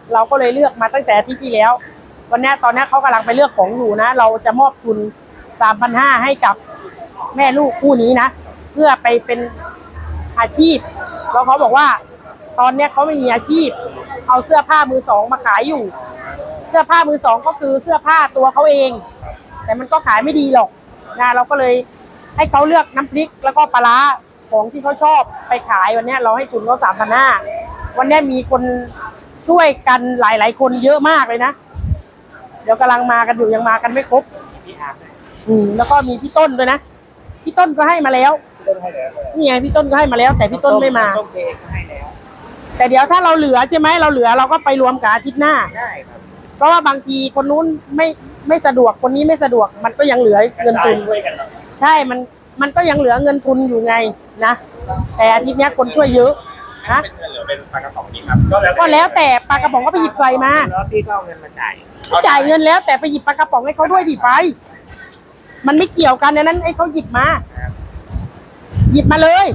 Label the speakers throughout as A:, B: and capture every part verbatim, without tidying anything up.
A: เราก็เลยเลือกมาตั้งแต่ที่ที่แล้ววันนี้ตอนนี้เขากำลังไปเลือกของอยู่นะเราจะมอบทุน สามพันห้าร้อย ให้กับแม่ลูกคู่นี้นะเพื่อไปเป็นอาชีพแล้วเขาบอกว่าตอนนี้เขาไม่มีอาชีพเอาเสื้อผ้ามือสองมาขายอยู่เสื้อผ้ามือสองก็คือเสื้อผ้าตัวเขาเองแต่มันก็ขายไม่ดีหรอกนะเราก็เลยให้เขาเลือกน้ำพริกแล้วก็ปลาร้าของที่เขาชอบไปขายวันนี้เราให้ทุนเขาสามพันห้าวันนี้มีคนช่วยกันหลายๆคนเยอะมากเลยนะเดี๋ยวกำลังมากันอยู่ยังมากันไม่ครบอืมแล้วก็มีพี่ต้นด้วยนะพี่ต้นก็ให้มาแล้วนี่ไงพี่ต้นก็ให้มาแล้วแต่พี่ต้นไม่มาแต่เดี๋ยวถ้าเราเหลือใช่ไหมเราเหลือเราก็ไปรวมกับอาทิตย์หน้าได้ครับเพราะว่าบางทีคนนู้นไม่ไม่สะดวกคนนี้ไม่สะดวกมันก็ยังเหลือเงินทุนใช่มันมันก็ยังเหลือเงินทุนอยู่ไงนะแต่อาทิตย์นี้คนช่วยเยอะนะเป็นเงินหรือเป็นปลากระป๋องนี้ครับก็แล้วแต่ปลากระป๋องก็ไปหยิบใส่มาแล้วพี่ก็เอาเงินมาจ่ายจ่ายเงินแล้วแต่ไปหยิบปลากระป๋องให้เขาด้วยดิไปมันไม่เกี่ยวกันในนั้นไอ้เขาหยิบมาหยิบมาเลย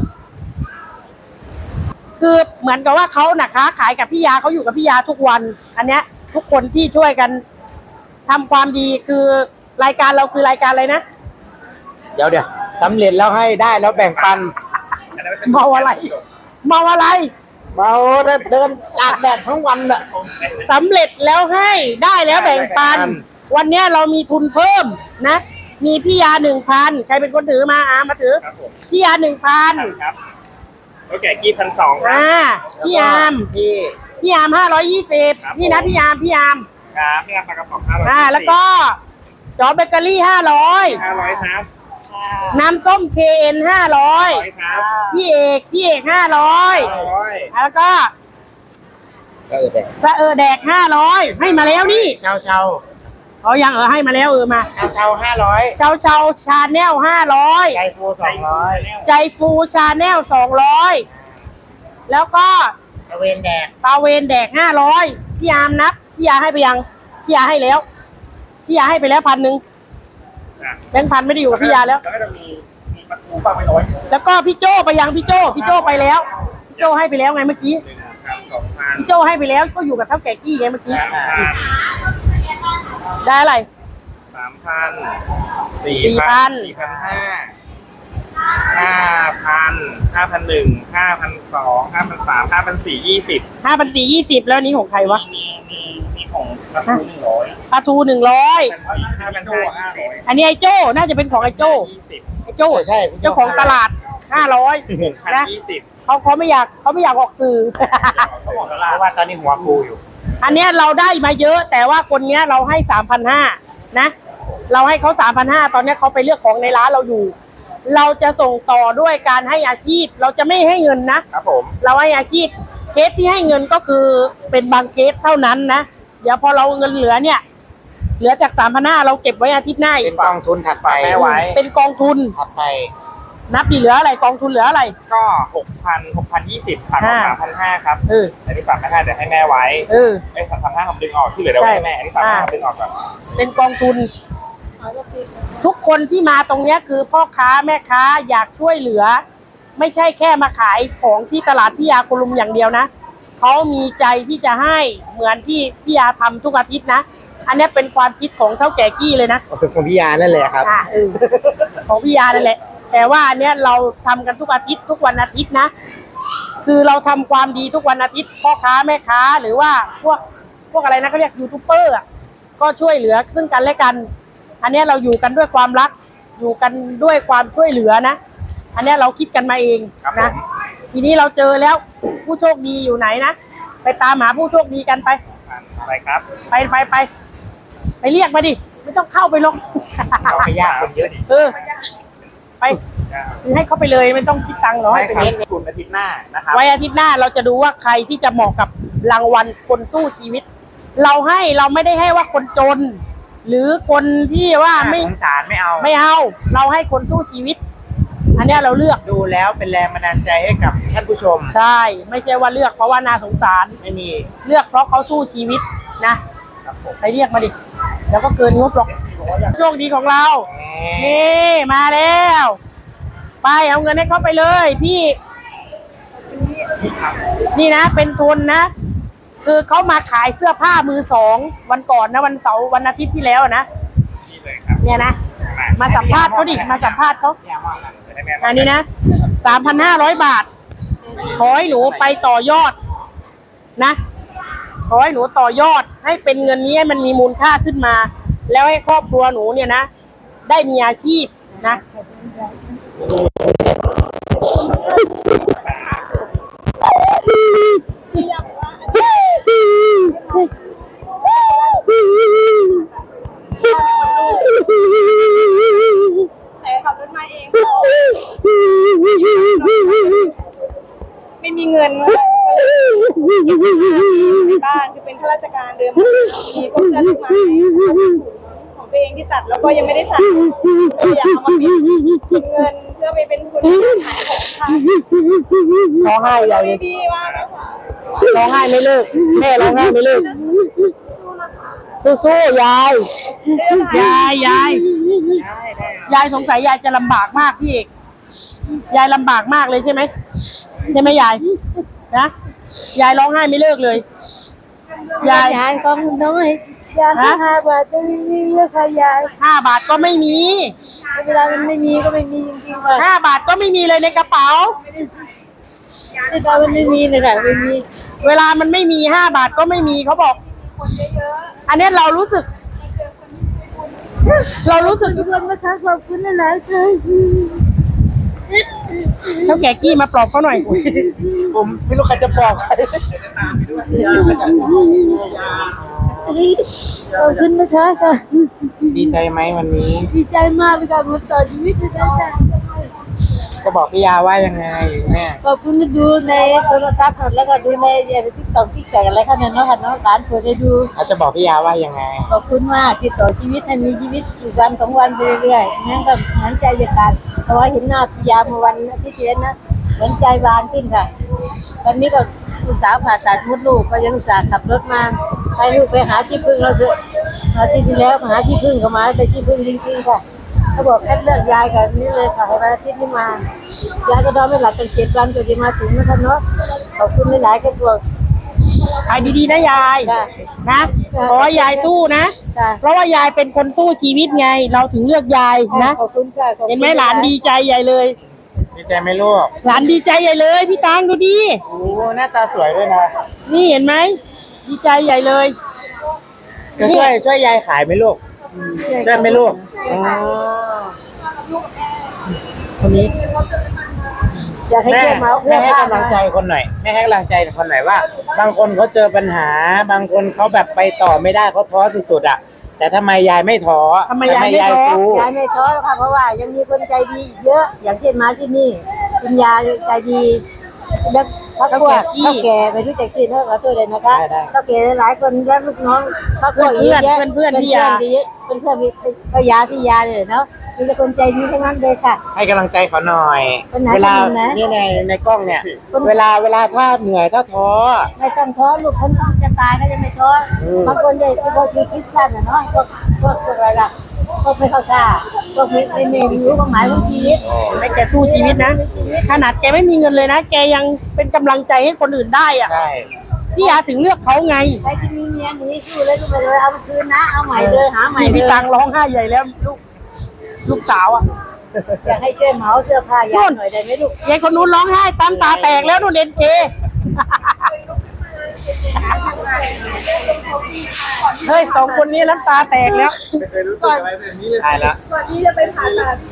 A: คือเหมือนกับว่าเขาน่ะค้าขายกับพี่ยาเขาอยู่กับพี่ยาทุกวันอันเนี้ยทุกคนที่ช่วยกันทำความดีคือรายการเราคือรายการอะไรนะ
B: เดี๋ยวเดี๋ยวสำเร็จแล้วให้ได้แล้วแบ่งปัน
A: เมาอะไรเมาอะไร
B: เมาเดินตากแดดทั้งวันน่ะ
A: สำเร็จแล้วให้ได้แล้วแบ่งปันวันนี้เรามีทุนเพิ่มนะมีพี่ยาหนึ่งพันใครเป็นคนถือมาอามาถือพี่ยาหนึ่งพัน
C: ครับโอเคกี่พันสองครับ
A: อ่าพี่ยาม
B: พี่
A: พี่ยามห้าร้อยยี่สิบนี่นะพี่ยามพี่ยาม
C: ครับพี่ยามปลากระป๋องห้าร้อย
A: อ่าแล้วก็จอเบเกอรี่ห้าร้อย
C: ห้าร้อยครับ
A: น้ำส้มเคเอ็นห้าร้อยพี่เอกพี่เอกห้าร้อยแล้วก็สะเออแดกห้าร้อยให้มาแล้วนี่
B: เชาเชา
A: เอายังเออให้มาแล้วเออมา
B: เชาเชาห้าร้อย
A: เชาเชาชาแนลห้าร้อย
B: ใจฟูสองร้อย
A: ใจฟูชาแนลสองร้อยแล้วก็
B: ตะเวนแดก
A: ตะเวนแดกห้าร้อยพี่ยามนับพี่ยาให้ไปยังพี่ยาให้แล้วพี่ยาให้ไปแล้วพันหนึ่งแบงค์พันไม่ได้อยู่กับพี่ยาแล้ว
C: แล้วก็จะมีมีประตูฟังไม่น้อย
A: แล้วก็พี่โจ้ไปยังพี่โจ้พี่โจ้ไปแล้วพี่โจ้ให้ไปแล้วไงเมื่อกี้พี่โจ้ให้ไปแล้วก็อยู่กับเท่าแก่กี้ไงเมื่อกี้ได้อะไร
C: สามพันสี่
A: พัน
C: สี่พันห้าห้าพันห้าพันหนึ่งห้าพันสองห้าพันสามห้าพันสี่ยี่สิบ
A: ห้าพันสี่ยี่สิบแล้วนี้ของใครวะ
C: มีมีมีของปลาทูหนึ่งร้อย
A: ปลาทูหนึ่งร้อย
C: ห้าพันห้า
A: อันนี้ไอ้โจ้น่าจะเป็นของไอ้โจ้ไอ้โจ้
B: ใช่
A: เจ้าของตลาดห้าร้อยนะเขาเขาไม่อยากเขาไม่อยากออกสื่อ
B: เพราะว่าตอนนี้หัวฟูอยู่
A: อันนี้เราได้มาเยอะแต่ว่าคนนี้เราให้สามพันห้านะเราให้เขาสามพันห้าตอนนี้เขาไปเลือกของในร้านเราอยู่เราจะส่งต่อด้วยการให้อาชีพเราจะไม่ให้เงินนะครับ
C: ผม
A: เราให้อาชีพเคสที่ให้เงินก็คือเป็นบางเคสเท่านั้นนะเดี๋ยวพอเราเงินเหลือเนี่ยเหลือจากสามพันห้าเราเก็บไว้อาทิตย์หน้า
B: เป็นกองทุนถัดไป
A: ไว้เป็นกองทุน
B: ถัดไป
A: นับดีเหลืออะไรกองทุนเหลืออะไร
C: ก็หกพันหกพันยี่สิบพันสามพันห้าครับ
A: เออ
C: อันนี้สามพันห้าเดี๋ยวให้แม่ไว้
A: เออ
C: ไอ้สามพันห้าผมดึงออกที่เหลือเดี๋ยวให้แม่อันนี้สามพันห้าดึงออกก่อน
A: เป็นกองทุนทุกคนที่มาตรงนี้คือพ่อค้าแม่ค้าอยากช่วยเหลือไม่ใช่แค่มาขายของที่ตลาดพี่ยาคุลุมอย่างเดียวนะเขามีใจที่จะให้เหมือนที่พี่ยาทำทุกอาทิตย์นะอันนี้เป็นความคิดของเท่าแก่กี้เลยนะ
B: เป็นของพี่ยานั่นแหละครับ
A: อ่าเออของพี่ยานั่นแหละแต่ว่าอันเนี้ยเราทำกันทุกอาทิตย์ทุกวันอาทิตย์นะคือเราทำความดีทุกวันอาทิตย์พ่อค้าแม่ค้าหรือว่าพวกพวกอะไรนะเขาเรียกยูทูบเบอร์ก็ช่วยเหลือซึ่งกันและกันอันนี้เราอยู่กันด้วยความรักอยู่กันด้วยความช่วยเหลือนะอันนี้เราคิดกันมาเองนะทีนี้เราเจอแล้วผู้โชคดีอยู่ไหนนะไปตามหาผู้โชคดีกันไป
C: ไปครับ
A: ไปไปไปไปเรียกมาดิไม่ต้องเข้าไปลง
B: เราไปยากคนเยอะดิ
A: เออไปให้เขาไปเลยไม่ต้องคิดตังค์หรอก
C: ให้ไปคุณอาทิตย์หน้านะครับ
A: ไว้อาทิตย์หน้าเราจะดูว่าใครที่จะเหมาะกับรางวัลคนสู้ชีวิตเราให้เราไม่ได้ให้ว่าคนจนหรือคนที่ว่าไม่
B: สงสารไม่เอา
A: ไม่เอาเราให้คนสู้ชีวิตอันนี้เราเลือก
B: ดูแล้วเป็นแรงบันดาลใจให้กับท่านผู้ชม
A: ใช่ไม่ใช่ว่าเลือกเพราะว่าน่าสงสาร
B: ไม่มี
A: เลือกเพราะเขาสู้ชีวิตนะไปเรียกมาดิแล้วก็เกินงบหรอกโชคดีของเรานี่มาแล้วไปเอาเงินให้เขาไปเลยพี่นี่นะเป็นทุนนะคือเขามาขายเสื้อผ้ามือสองวันก่อนนะวันเสาร์วันอาทิตย์ที่แล้วนะ
C: นี่เลยครับ
A: เนี่ยนะมาสัมภาษณ์เขาดิมาสัมภาษณ์เขา
C: จะได้แม่
A: อันนี้นะสามพันห้าร้อยบาท ขอให้หนูไปต่อยอดนะ ขอให้หนูต่อยอดให้เป็นเงินนี้ให้มันมีมูลค่าขึ้นมา แล้วให้ครอบครัวหนูเนี่ยนะ ได้มีอาชีพนะ
D: แต่ขับรถมาเองไม่มีเงินเลยในบ้านคือเป็นข้าราชการเดิมมีพวกเสื้อลูกไม้ของตัวเองที่ตัดแล้วก็ยังไม่ได้ใส่อยากเอามาเป็นเงินเพื่อไปเป็นทุนขายของค่ะ
A: ร้องไห้ใหญ่เลย
D: ดีมากนะคะ
A: ร้องไห้ไม่เลิกแม่ร้องไห้ไม่เลิกสู้ๆยายยายยายยายสงสัยยายจะลำบากมากพี่เอกยายลำบากมากเลยใช่ไหมใช่ไหมยายนะยายร้องไห้ไม่เลิกเลยยาย
D: ยายก็น้อยยายห้าบาทจะไม่มีเลยค่ะยาย
A: ห้าบาทก็ไม่มี
D: เวลามันไม่มีก็ไม่มีจริงๆค่ะ
A: ห้าบาทก็ไม่มีเลยในกระเป๋า
D: เวลามันไม่มีเลยค่ะไม่มี
A: เวลามันไม่มีห้าบาทก็ไม่มีเขาบอก อันนี้เรารู้สึก เรารู้สึก
D: ทุกคนนะคะขอบคุณหลายๆค่ะ
A: เท่าแก่กี้มาปลอบเขาหน่อย
B: ผมไม่รู้ใครจะบอกใคร
D: ขอบคุณนะคะค่ะ
B: ดีใจไหมวันนี้
D: ดีใจมากเลยค่ะมาต่อชีวิตเลยค่ะ
B: จะบอกพี่ยาว่ายังไงแม่
D: ขอบคุณที่ดูในโทรทัศน์แล้วก็ดูในติ๊กต็อกติ๊กแตกอะไรค่ะเนี่ยเนาะค่ะเนาะร้านเปิดได้ดู
B: อาจจะบอกพี่ยาว่ายังไง
D: ขอบคุณมากที่ต่อชีวิตให้มีชีวิตอีกวันสองวันไปเรื่อยๆนั่นก็เหมือนใจจะขาดเพราะว่าเห็นหน้าพิยาเมื่อวันอาที่ที่แล้วนะเหมือนใจบานขึ้นค่ะตอนนี้ก็ลูกสาวผ่าตัดมดลูกก็ยังอุตส่าห์ขับรถมาให้ลูกไปหาที่พึ่งเราเถอะอาทิตย์ที่แล้วมาหาที่พึ่งก็มาแต่ที่พึ่งจริงๆค่ะเขาบอกแค่เลือกยายกับนี่เลยค่ะให้วันอาทิตย์นี้มายายก็นอนไม่หลับตั้งเจ็ดวันจนจะมาถึงนะคะเนาะขอบคุณหลายๆกันตัว
A: ขายดีๆนะยาย
D: จ้ะ
A: นะขอให้ยายสู้นะ
D: จ้ะ
A: เพราะว่ายายเป็นคนสู้ชีวิตไง เราถึงเลือกยายนะ
D: ขอบคุณค่ะขอบคุณ
A: เห็นไหมหลานดีใจใหญ่เลย
B: ดีใจไหมลูก
A: หลานดีใจใหญ่เลย พี่ตังดูดิ
B: โอ้หน้าตาสวยด้วยนะ
A: นี่เห็นไหมดีใจใหญ่เลย
B: จะช่วยช่วยยายขายไหมลูกช่วยไหมลูกอ๋อ
D: คนนี้อยากให้
B: แม่
D: เพื่อนมา
B: แม่ให้กำลังใจคนหน่อยแม่ให้กำลังใจคนหน่อยว่า บางคนเขาเจอปัญหา บางคนเขาแบบไปต่อไม่ได้เขาท้อสุดๆอ่ะ แต่ทำไมยายไม่ท้อ
A: ทำไมยายไม่ท้อ
B: สู้
D: ยายไม่ท้อค่ะเพราะว่ายังมีคนใจดีอีกเยอะ อย่างเช่นมาที่นี่คุณยายใจดีแล้วพักพวกเท่าแก่ไม่รู้จักชื่อเท่ากับตัวเลยนะคะเท่าแก่หลายคนแล้วลูกน้องพักพวกเยอะแยะ
A: เพื่อนๆพี่ยา
D: เพื่อนเพื่อนพี่ยาพี่ยาเลยเนาะมีแต่คนใจดีทั้งนั้นเลยค่ะ
B: ให้กำลังใจเขาหน่อย
D: คนไหน
B: เวลา
D: คนไหน
B: เนี่ยในในกล้องเนี่ย
D: คน
B: เวลาเวลาถ้าเหนื่อยถ้าท้อ
D: ไม่ต้องท้อลูกคนต้องจะตายก็จะไม่ท้อ
B: อืม
D: บางคนเลยพวกที่คิดสั้นอ่ะเนาะพวกพวกพวกอะไรล่ะพวกไม่เข้าใจพวกไม่ไม่ไม่รู้ความหมายของชีวิต
A: ไม่แกสู้ชีวิตนะ ขนาดแกไม่มีเงินเลยนะ แกยังเป็นกำลังใจให้คนอื่นได้อ่ะ
B: ใช่
A: พี่ยาถึงเลือกเขาไง
D: ใครที่มีเมียหนีสู้เลยลูกไปเลยเอามาคืนนะเอาใหม่เลยหาใหม่
A: พี่
D: เล
A: พี่
D: ย
A: ตังร้องไห้ใหญ่แล้วลูกลูกสาวอ่ะ
D: อยากให้ช่วยเหมาเสื้อผ้ายายหน่อยได้ไหมลูก
A: ยายคนนู้นร้องไห้ตามตาแตกแล้วนู่นเอ็นเคเฮ้ยสองคนนี้น้ำตาแตกแล้ว
B: ตายแล้ว
D: ก่อนที่จะไปผ่าตัด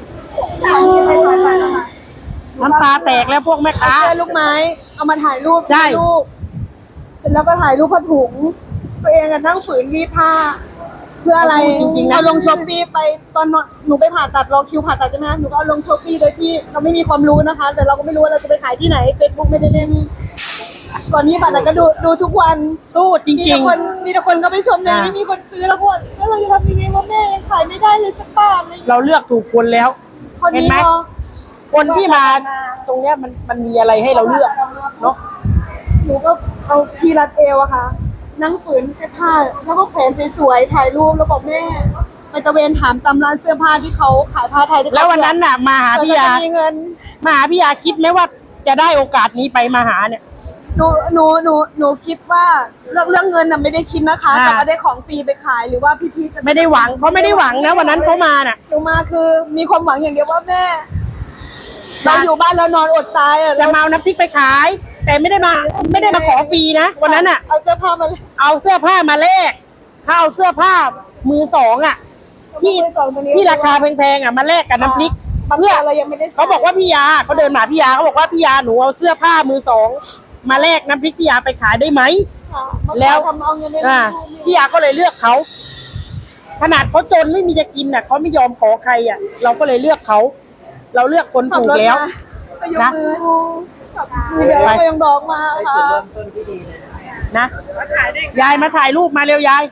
A: น้ำตาแตกแล้วพวกแม่ค้า
D: เสื้อลูกไม้เอามาถ่ายรูป
A: ใช่
D: ลูกเสร็จแล้วก็ถ่ายรูปผ้าถุงตัวเองอะนั่งฝืนรีดผ้า เพื่ออะไร
A: จริงๆนะ
D: เอาลงช้อปปี้ไปตอนหนูไปผ่าตัดรอคิวผ่าตัดใช่ไหมหนูก็เอาลงช้อปปี้โดยที่เราไม่มีความรู้นะคะ แต่เราก็ไม่รู้ว่าเราจะไปขายที่ไหนเฟซบุ๊กไม่ได้เล่นก่อนนี้ผ่าตัดก็ดูดูทุกวัน
A: สู้จ
D: มี
A: ริ
D: แต่
A: ง
D: คนมีแต่คนก็ไปชมเลย
A: อ่า
D: ไม่มีคนซื้อแล้วพวกแล้วเราจะทำยังไงว่าแม่ยังขายไม่ได้เลยสักบาทเลย
A: ๆ เราเลือกถูกคนแล้ว
D: คน
A: เห็น
D: นี้
A: ไหม
D: เนาะ
A: คนที่มาตรงเนี้ยมันมันมีอะไรให้เราเลือกเนาะ
D: หนูก็เอาพีรัดเอวอะค่ะ นั่งฝืนแค่ผ้าแล้วก็แขวนสวยๆถ่ายรูปแล้วบอกแม่ไปตะเวนถามตามร้านเสื้อผ้าที่เขาขายผ้าไทยที่เขา
A: แล้ววันนั้นน่ะมาหาพี่ยา
D: เผื่อจะมีเงิน
A: มาหาพี่ยาคิดไหมว่าจะได้โอกาสนี้ไปมาหาเนี่ย
E: หนูหนูหนูหนูคิดว่าเรื่องเรื่องเงินน่ะไม่ได้คิดนะคะ
A: อ่า
E: แต่ว่าได้ของฟรีไปขายหรือว่าพี่ๆจะ
A: ไม่ได้หวังเขาไม่ได้หวังนะวันนั้นเขามาน่ะ
E: หนูมาคือมีความหวังอย่างเดียวว่าแม่ เราอยู่บ้านแล้วนอนอดตายอ่ะ
A: จะมาเอาน้ำพริกไปขาย แต่ไม่ได้มาไม่ได้มาขอฟรีนะวันนั้นอ่ะ
E: เอาเสื้อผ้ามาเลย
A: เอาเสื้อผ้ามาแลกถ้าเอาเสื้อผ้ามือสองอ่ะ ที่
E: มือสองตัวนี้
A: ที่ราคาแพงๆอ่ะมาแลกกับน้ำพริก
E: บาง
A: เพื่อ
E: ตัวเรายังไม่ได้ใส่
A: เขาบอกว่าพี่ยาเขาเดินมาพี่ยาเขาบอกว่าพี่ยาหนูเอาเสื้อผ้ามือสองมาแลกน้ำพริกพี่ยาไปขายได้ไหม
E: ค่ะ
A: แล้ว
E: ทำเอาเงินได้
A: อ่าพี่ยาก็เลยเลือกเขาขนาดเขาจนไม่มีจะกินอ่ะเขาไม่ยอมขอใครอ่ะ เราก็เลยเลือกเขาเราเลือกคน
E: ขับ
A: ถูก
E: รถ
A: แล้ว
E: มาไปยก
A: นะ
E: มือขับมือเดียวก็ยังดอกมาค่ะ
A: นะยายมาถ่ายรูปมาเร็วยาย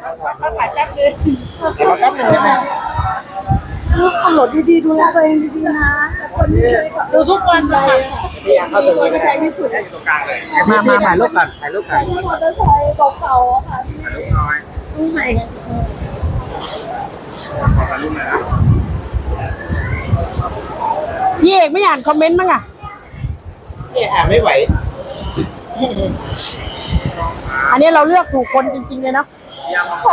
B: เดี๋ยวแป๊บนึงได้ไหม
E: ลูกขับรถดีๆดูแลตัวเองดีๆนะคนที่เคยขับ
A: ดูทุกวันเลย
B: พี่อยากเข้าตรง
E: ตัว
B: นี้
E: กระ
B: ก็
E: แท
B: ได้
E: กที่สุด
C: ตรงกลางเลย
B: มามาถ่ายรูปก่อนถ่ายรูปก่อน
E: มอเตอร์ไซค์เก่าๆอะค่ะ
C: ถ่ายรูปน้อย
E: ซื้อใหม่
C: ขอถ่ายรูปหน่อยนะ
A: พี่เอกไม่อ่านคอมเมนต์มั้งอ่ะ
B: พี่อ่านไม่ไหว
A: อันนี้เราเลือกถูกคนจริงๆเลยเนาะ
C: ยามครับ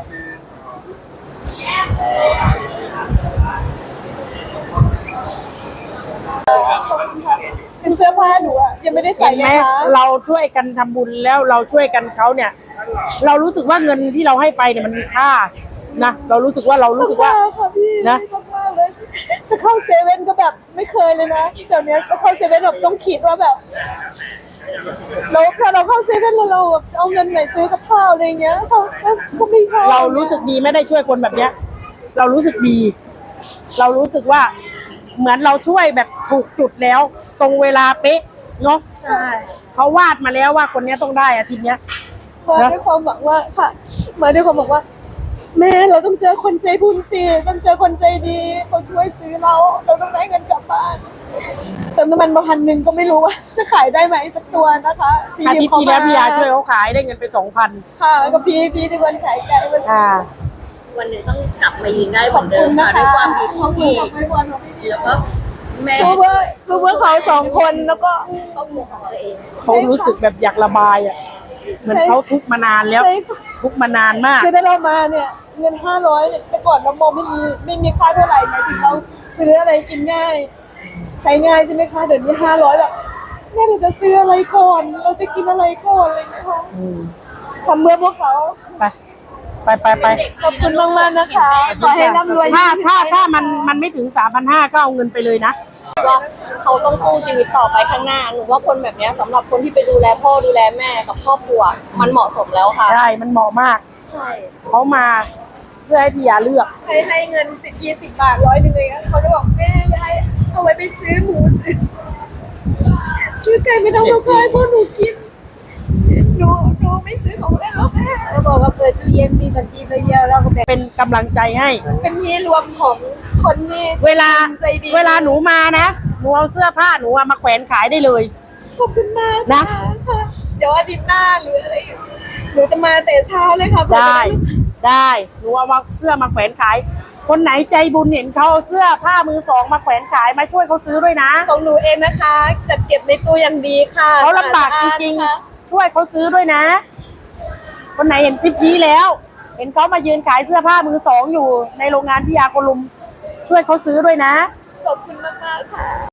E: เป็นเสื้อผ้าหนูอะยังไม่ได้ใส่
A: เห็น
E: เล
A: ไหม
E: ยค่ะ
A: เราช่วยกันทำบุญแล้วเราช่วยกันเขาเนี่ย เรารู้สึกว่าเงินที่เราให้ไปเนี่ยมันมีค่านะเรารู้สึกว่าเรารู้สึกว่า
E: ค่ะพี่
A: นะ
E: มากๆเลยจะเข้าเซเว่นก็แบบไม่เคยเลยนะเดี๋ยวนี้จะเข้าเซเว่นแบบต้องคิดว่าแบบเราถ้าเราเข้าเซเว่นแล้วเราแบบเอาเงินไหนซื้อกับข้าวอะไรเงี้ยเขาก็ไม่เข้า
A: เรารู้สึกดีไม่ได้ช่วยคนแบบเนี้ย เรารู้สึกดี เรารู้สึกว่า เหมือนเราช่วยแบบถูกจุดแล้ว ตรงเวลาเป๊ะเนาะ
E: ใช่
A: เขาวาดมาแล้วว่าคนเนี้ยต้องได้อาทิตย์เนี้ย
E: มาด้วยความหวังว่าค่ะ มาด้วยความหวังว่า แม่เราต้องเจอคนใจบุญสิต้องเจอคนใจดีเขาช่วยซื้อเรา เราต้องได้เงินกลับบ้านเติมน้ำมันมาพันหนึ่งก็ไม่รู้ว่า จะขายได้ไหมสักตัวนะคะ
A: อาทิตย์ที่แล้วพี่ยาช่วยเขาขายได้เงินไปสองพัน
E: ค่ะกับพี่พี่ที่คนขายไก่มาซื้อ
A: อ่า
F: วันหนึ่งต้องกลับมายิงได้เหมือนเดิมค่ะด้วยความดีที่มีแล้วก็แม่
E: ซูเปอร์ซูเปอร์เขาสองคนแล้วก็
F: ครอบครัวของตัวเอง
A: เขารู้สึกแบบอยากระบายอ่ะ เหมือนเขาทุกข์มานานแล้ว
E: ใช่ค่ะ
A: ทุกข์มานานมาก
E: คือถ้าเรามาเนี่ย เงินห้าร้อยเนี่ยแต่ก่อนเรามองไม่มีไม่มีค่าเท่าไหร่หมายถึงเราซื้ออะไรกินง่าย ใช้ง่ายใช่ไหมคะเดี๋ยวนี้ห้าร้อยแบบแม่เราจะซื้ออะไรก่อน เราจะกินอะไรก่อนอะไรอย่างเงี้ยค่ะ
A: อืม
E: ทำเพื่อพวกเขา
A: ไป ไปไปไป
E: ขอบคุณมากมากๆนะคะ ขอให้ร่ำรวย
A: ถ้าถ้าถ้ามันมันไม่ถึงสามพันห้าก็เอาเงินไปเลยนะ
F: ว่าเขาต้องสู้ชีวิตต่อไปข้างหน้าหนูว่าคนแบบเนี้ยสำหรับคนที่ไปดูแลพ่อดูแลแม่กับครอบครัว มันเหมาะสมแล้วค่ะ
A: ใช่ มันเหมาะมาก
F: ใช่
A: เขามาเพื่อให้พี่ยาเลือก
E: ให้ให้เงินสิบยี่สิบบาทร้อยหนึ่งเลยเขาจะบอกแม่ยายเอาไว้ไปซื้อหมูซื้อซื้อไก่ไม่ต้องมาขายเพราะหนูกินหนูหนูไม่ซื้อของเล่นแล้วแม่
D: เขาบอกว่าเปิดตู้เย็นมีสันติไปเยอะเราก็แบ่ง
A: เป็นกำลังใจให้
E: เป็นที่รวมของคนที่
A: เวลา
E: ใจดี
A: เวลาหนูมานะ หนูเอาเสื้อผ้าหนูอะมาแขวนขายได้เลย
E: ขอบคุณมาก
A: นะ
E: ค่ะเดี๋ยวอาทิตย์หน้าหรืออะไรหนูจะมาแต่เช้าเลยค่ะเพื่อจะ
A: ได้
E: ได้ลูก
A: ได้ หนูเอามาเสื้อมาแขวนขาย คนไหนใจบุญเห็นเขาเอาเสื้อผ้ามือสองมาแขวนขายมาช่วยเขาซื้อด้วยนะ
E: ของหนูเองนะคะ จัดเก็บในตู้อย่างดีค่ะ
A: เขาลำบากจริง
E: ๆค่ะ
A: ๆ ช่วยเขาซื้อด้วยนะ คนไหนเห็นคลิปนี้แล้ว เห็นเขามายืนขายเสื้อผ้ามือสองอยู่ในโรงงานพิยาโคลุม ช่วยเขาซื้อด้วยนะ
E: ขอบคุณมากๆค่ะ